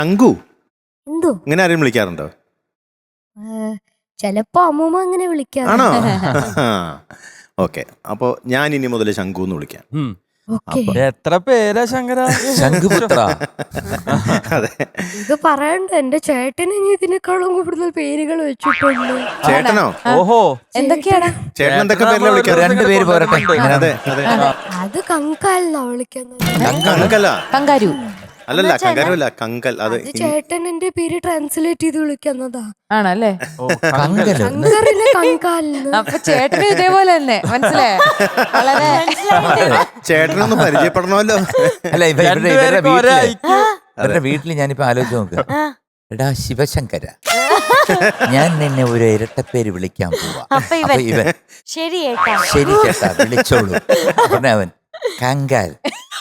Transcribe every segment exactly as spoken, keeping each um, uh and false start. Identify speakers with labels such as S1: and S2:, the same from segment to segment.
S1: ശങ്കു
S2: എന്തോ
S1: ഇങ്ങനെ ആരെയും വിളിക്കാറുണ്ടോ?
S2: ചെലപ്പോ അമ്മൂമ്മ അങ്ങനെ വിളിക്കാം.
S1: ആണോ? ഓക്കെ, അപ്പൊ ഞാൻ ഇനി മുതൽ ശങ്കു എന്ന് വിളിക്കാം.
S3: എത്ര പേരാ ശങ്കര?
S4: ശംഖുപുത്ര.
S1: അതെ,
S2: ഇത് പറയണ്ട, എന്റെ ചേട്ടന് ഇനി ഇതിനേക്കാളും കൂടുതൽ പേരുകൾ വെച്ചിട്ടുണ്ട്.
S1: ചേട്ടനോ?
S3: ഓഹോ,
S5: എന്തൊക്കെയാണ്
S1: ചേട്ടൻ എന്തൊക്കെ പേരില വിളിക്കാറ്?
S4: രണ്ടുപേര് പോരട്ടെ.
S1: അതെ അതെ,
S2: അത് കങ്കാലെന്നാ വിളിക്കുന്നത്.
S1: കങ്കല
S5: കങ്കാരു
S1: അല്ലല്ല, കങ്കാരുമല്ല, കങ്കൽ. അത്
S2: അത് ചേട്ടൻ എന്റെ പേര് ട്രാൻസ്ലേറ്റ് ചെയ്ത് വിളിക്കുന്നതാ.
S5: ആണല്ലേ?
S4: കങ്കലോ?
S2: ശങ്കറിനെ കങ്കാലെന്ന്.
S5: അപ്പൊ ചേട്ടന് ഇതേപോലെ തന്നെ മനസ്സിലായോ? വളരെ
S1: ചേട്ടനൊന്ന് പരിചയപ്പെടണമല്ലോ.
S4: അല്ല, ഇവരുടെ ഇവരുടെ വീട്ടില് ഇവരുടെ വീട്ടിൽ ഞാനിപ്പോ ആലോചിച്ച് നോക്കുക. എടാ ശിവശങ്കര, ഞാൻ നിന്നെ ഒരു ഇരട്ടപ്പേര് വിളിക്കാൻ പോവാ. അപ്പൊ ഇവൻ
S5: ശരി
S4: ശരി ചേട്ടാ വിളിച്ചോളൂ. അവൻ കങ്കാൽ.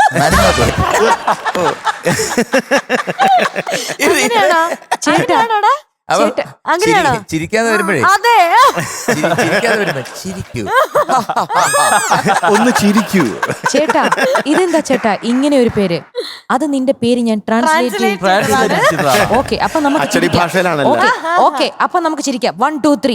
S4: ചിരിക്കാതെ വരുമ്പോഴേ ചിരിക്കാതെ വരുമ്പോ ചിരിക്കൂ,
S1: ഒന്ന് ചിരിക്കൂ.
S5: ചേട്ടാ ഇതെന്താ ചേട്ടാ ഇങ്ങനെ ഒരു പേര്? അത് നിന്റെ പേര് ഞാൻ ട്രാൻസ്ലേറ്റ്. ഓക്കെ, അപ്പൊ നമുക്ക്
S1: അച്ചടി ഭാഷയിലാണല്ലോ.
S5: ഓക്കെ, അപ്പൊ നമുക്ക് ചിരിക്കാം. One two three.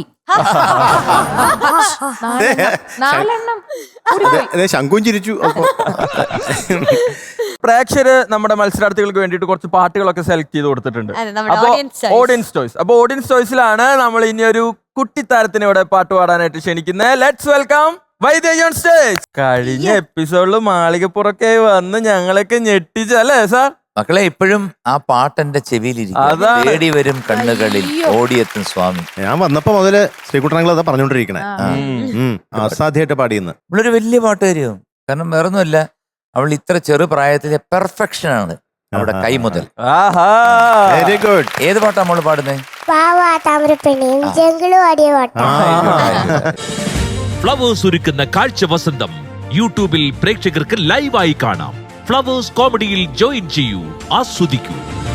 S5: നാലെണ്ണം
S1: ശങ്കും ചിരിച്ചു. അപ്പൊ
S3: പ്രേക്ഷകര് നമ്മുടെ മത്സരാർത്ഥികൾക്ക് വേണ്ടിയിട്ട് കുറച്ച് പാട്ടുകളൊക്കെ സെലക്ട് ചെയ്ത് കൊടുത്തിട്ടുണ്ട്. അപ്പൊ ഓഡിയൻസ് ചോയ്സ് അപ്പൊ ഓഡിയൻസ് ചോയ്സിലാണ് നമ്മൾ ഇനി ഒരു കുട്ടിത്താരത്തിന് ഇവിടെ പാട്ട് പാടാനായിട്ട് ക്ഷണിക്കുന്നത്. Let's welcome Vaidehi on stage. കഴിഞ്ഞ എപ്പിസോഡില് മാളികപ്പുറക്കെ വന്ന് ഞങ്ങളൊക്കെ ഞെട്ടിച്ചല്ലേ സാർ?
S4: മക്കളെ, ഇപ്പോഴും ആ പാട്ടെന്റെ ചെവിയിലിരിക്കും. തേടി വരും കണ്ണുകളിൽ ഓടിയെത്തും സ്വാമി.
S1: ഞാൻ വന്നപ്പോ മുതല് ശ്രീകുട്ടനങ്ങൾ അതാ പറഞ്ഞോണ്ടിരിക്കണേ. അസാധ്യമായിട്ട് പാടിയെന്ന്.
S4: ഇവളൊരു വലിയ പാട്ടുകാരിയും. കാരണം വേറൊന്നുമല്ല, അവൾ ഇത്ര ചെറു പ്രായത്തിലെ പെർഫെക്ഷൻ ആണ്. അവിടെ കൈ മുതൽ.
S1: Very good.
S4: ഏത് പാട്ടാ നമ്മൾ പാടുന്നേ?
S6: ഫ്ലവേഴ്സ് ഒരുക്കുന്ന കാഴ്ച വസന്തം യൂട്യൂബിൽ പ്രേക്ഷകർക്ക് ലൈവായി കാണാം. ഫ്ലവേഴ്സ് കോമഡിയിൽ ജോയിൻ ചെയ്യൂ, ആസ്വദിക്കൂ.